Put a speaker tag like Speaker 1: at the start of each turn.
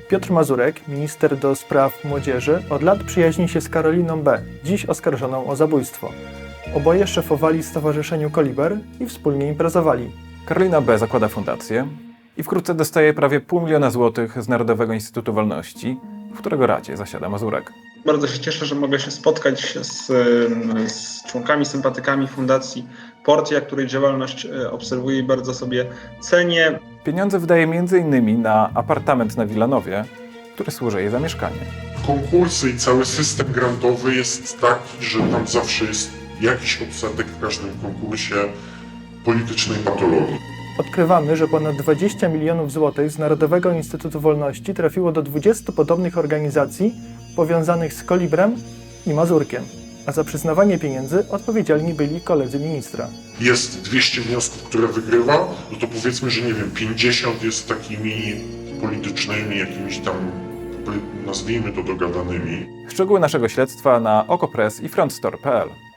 Speaker 1: Piotr Mazurek, minister do spraw młodzieży, od lat przyjaźni się z Karoliną B., dziś oskarżoną o zabójstwo. Oboje szefowali Stowarzyszeniu Koliber i wspólnie imprezowali.
Speaker 2: Karolina B. zakłada fundację i wkrótce dostaje prawie $500 000 złotych z Narodowego Instytutu Wolności, w którego radzie zasiada Mazurek.
Speaker 3: Bardzo się cieszę, że mogę się spotkać z członkami, sympatykami Fundacji Portia, której działalność obserwuję i bardzo sobie cenię.
Speaker 2: Pieniądze wydaje m.in. na apartament na Wilanowie, który służy jej za mieszkanie.
Speaker 4: Konkursy i cały system grantowy jest taki, że tam zawsze jest jakiś odsetek w każdym konkursie politycznej patologii.
Speaker 1: Odkrywamy, że ponad 20 milionów złotych z Narodowego Instytutu Wolności trafiło do 20 podobnych organizacji powiązanych z Kolibrem i Mazurkiem, a za przyznawanie pieniędzy odpowiedzialni byli koledzy ministra.
Speaker 4: Jest 200 wniosków, które wygrywa, no to powiedzmy, że nie wiem, 50 jest takimi politycznymi, jakimiś tam, nazwijmy to, dogadanymi.
Speaker 2: Szczegóły naszego śledztwa na OKO.press i frontstore.pl.